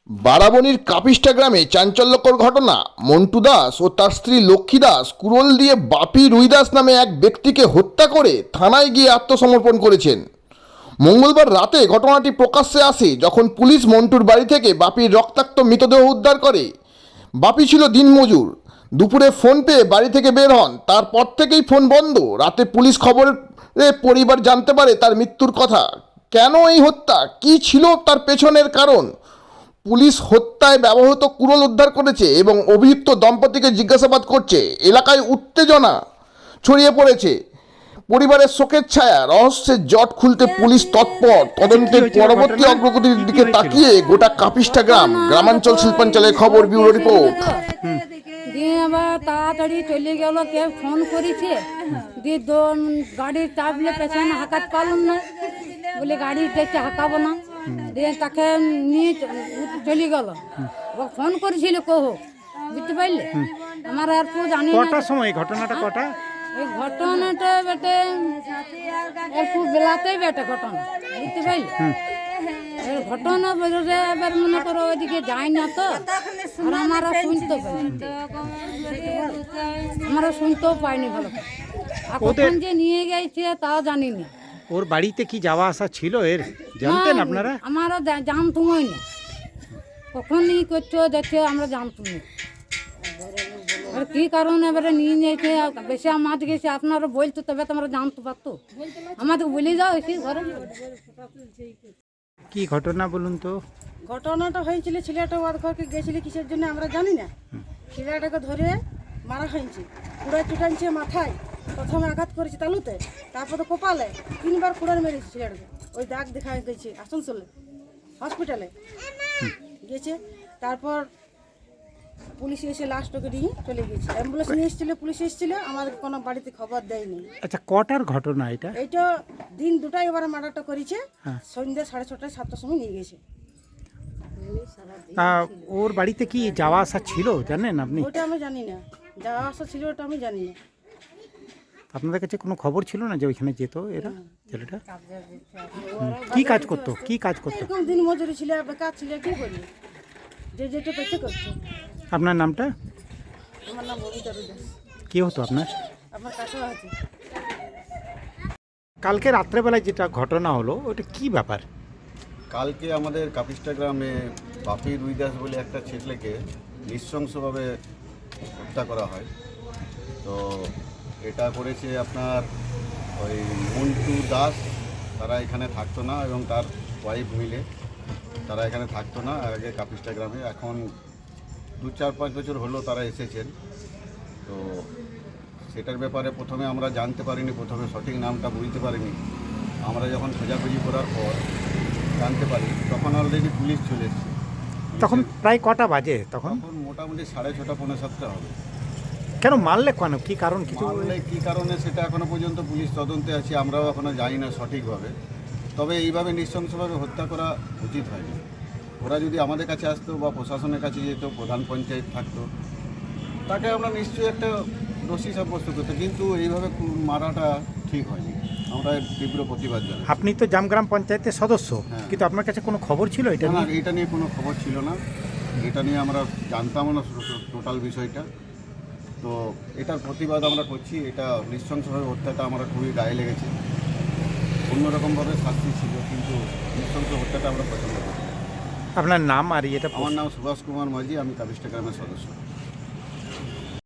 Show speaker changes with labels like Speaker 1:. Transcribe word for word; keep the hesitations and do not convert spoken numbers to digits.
Speaker 1: বারাবণীর কাপিস্টা গ্রামে চাঞ্চল্যকর ঘটনা। মন্টু দাস ও তার স্ত্রী লক্ষ্মী দাস কুড়োল দিয়ে বাপি রুইদাস নামে এক ব্যক্তিকে হত্যা করে থানায় গিয়ে আত্মসমর্পণ করেছেন। মঙ্গলবার রাতে ঘটনাটি প্রকাশ্যে আসে যখন পুলিশ মন্টুর বাড়ি থেকে বাপির রক্তাক্ত মৃতদেহ উদ্ধার করে। বাপি ছিল দিনমজুর। দুপুরে ফোন পেয়ে বাড়ি থেকে বের হন, তারপর থেকেই ফোন বন্ধ। রাতে পুলিশ খবরে পরিবার জানতে পারে তার মৃত্যুর কথা। কেন এই হত্যা, কী ছিল তার পেছনের কারণ? পুলিশ হত্যায় ব্যবহৃত কুড়োল উদ্ধার করেছে এবং অভিযুক্ত দম্পতিকে জিজ্ঞাসাবাদ করছে। এলাকায় উত্তেজনা ছড়িয়ে পড়েছে, পরিবারের শোকের ছায়া। রহস্যের জট খুলতে পুলিশ তৎপর। তদন্তের পরবর্তী অগ্রগতির দিকে তাকিয়ে গোটা কাপিস্টা গ্রাম। গ্রামাঞ্চল শিল্পাঞ্চলের খবর, ব্যুরো রিপোর্ট।
Speaker 2: দিয়ে আবার তাড়াতাড়ি চলে গেল, কেউ ফোন করেছে, দিয়ে গাড়ির চাপলে পেছনে হাঁকাতে পারলাম না, বলে গাড়ি দেখতে হাঁকাবো না, দিয়ে তাকে নিয়ে চলে গেল। ফোন করেছিল কহ, বুঝতে পারলে? আমার আর কেউ জানি না।
Speaker 3: কটার সময় ঘটনাটা? কটা
Speaker 2: এই ঘটনাটা বেটে একটু বেলাতেই বেটে ঘটনা, বুঝতে পারলে? ঘটনা বেরোলে এবার মনে করো ওইদিকে যাই না তো, আর আমারও শুনতে পাই, আমারও শুনতেও পাইনি ভালো করে। আর কখন যে নিয়ে গেছে তাও জানি না।
Speaker 3: ওর বাড়িতে কি যাওয়া আসা ছিল এর, জানতেন আপনারা?
Speaker 2: আমারও জানতুমই না, কখন ই করছো দেখছো আমরা জানতুমই। আর কি কারণে এবারে নিয়ে নিয়েছে, বেশি মাছ গেছে আপনারা বলতো তবে তো আমরা জানতে পারতো। আমাদের বলে যাও এসে ঘরে।
Speaker 3: কি ঘটনা বলুন তো?
Speaker 4: ঘটনাটা হয়েছিল, ছেলেটা ওয়াদ ঘরকে গেছিল কিসের জন্য আমরা জানি না। ছেলেটাকে ধরে মারা হয়েছে, কুড়ায় চুটানছে মাথায়, প্রথমে আঘাত করেছে তালুতে, তারপরে কপালে, তিনবার কুড়ার মেরেছে ছেলেটাকে। ওই দাগ দেখা গেছে আসানসোলে হসপিটালে গেছে। তারপর পুলিশ এসে লাস্টকে নিয়ে চলে গেছে। অ্যাম্বুলেন্স নিয়ে এসেছিল, পুলিশ এসেছিল, আমাদের কোনো বাড়িতে খবর দেয়নি।
Speaker 3: আচ্ছা, কটার ঘটনা এটা?
Speaker 4: এইটা দিন দুটাই এবার মার্ডারটা করেছে, সন্ধ্যা সাড়ে ছটায় সাতটার সময় নিয়ে গেছে।
Speaker 3: তা ওর বাড়িতে কি যাওয়া আসা ছিল জানেন আপনি?
Speaker 4: ওটা আমি জানি না, যাওয়া আসা ছিল ওটা আমি জানি না।
Speaker 3: আপনাদের কাছে কোনো খবর ছিল না যে ওইখানে যেত এরা, ছেলেটা? কি কাজ করতো, কি কাজ করতো?
Speaker 4: এরকম দিন মজুরি ছিল, বেকার ছিল, কি করি, যে যেটা পেতে করতো।
Speaker 3: আপনার নামটা?
Speaker 4: আমার নাম ববিতা দাস।
Speaker 3: কি হতো আপনার?
Speaker 4: আমার কাকা আছে।
Speaker 3: কালকে রাত্রেবেলায় যেটা ঘটনা হলো ওটা কি ব্যাপার?
Speaker 5: কালকে আমাদের কাপিস্টা গ্রামে বাপি রুইদাস বলে একটা ছেলেকে নৃশংসভাবে হত্যা করা হয়। তো এটা করেছে আপনার ওই মন্টু দাস। তারা এখানে থাকতো না এবং তার ওয়াইফ মিলে তারা এখানে থাকতো না আগে কাপিস্টা গ্রামে। এখন দু চার পাঁচ বছর হলো তারা এসেছেন। তো সেটার ব্যাপারে প্রথমে আমরা জানতে পারিনি, প্রথমে সঠিক নামটা বুঝতে পারিনি। আমরা যখন খোঁজাখুঁজি করার পর জানতে পারি তখন অলরেডি পুলিশ চলে এসেছে।
Speaker 3: তখন প্রায় কটা বাজে? তখন
Speaker 5: তখন মোটামুটি সাড়ে ছটা পৌনে সাতটা হবে।
Speaker 3: কেন মারলে? কেন, কি কারণ? কিছু
Speaker 5: মারলে কী কারণে সেটা এখনো পর্যন্ত পুলিশ তদন্তে আছে, আমরাও এখনো জানি না সঠিকভাবে। তবে এইভাবে নৃশংসভাবে হত্যা করা উচিত হয়নি। ওরা যদি আমাদের কাছে আসতো বা প্রশাসনের কাছে যেত, প্রধান পঞ্চায়েত থাকতো, তাকে আমরা নিশ্চয়ই একটা দোষী সাব্যস্ত করতো, কিন্তু এইভাবে মারাটা ঠিক হয়নি। আমরা তীব্র প্রতিবাদ জানাই।
Speaker 3: আপনি তো জামগ্রাম পঞ্চায়েতের সদস্য,
Speaker 5: হ্যাঁ।
Speaker 3: কিন্তু আপনার কাছে কোনো খবর ছিল এটা
Speaker 5: না,
Speaker 3: নিয়ে?
Speaker 5: এটা নিয়ে কোনো খবর ছিল না, এটা নিয়ে আমরা জানতাম না টোটাল বিষয়টা। তো এটার প্রতিবাদ আমরা করছি। এটা নৃশংসভাবে হত্যাটা আমরা খুবই গায়ে লেগেছে। অন্যরকমভাবে শাস্তি ছিল, কিন্তু নৃশংস হত্যাটা আমরা পছন্দ করি।
Speaker 3: আপনার নাম আর এটা?
Speaker 5: আমার নাম সুভাষ কুমার মাঝি, আমি কাপিস্টা গ্রামের সদস্য।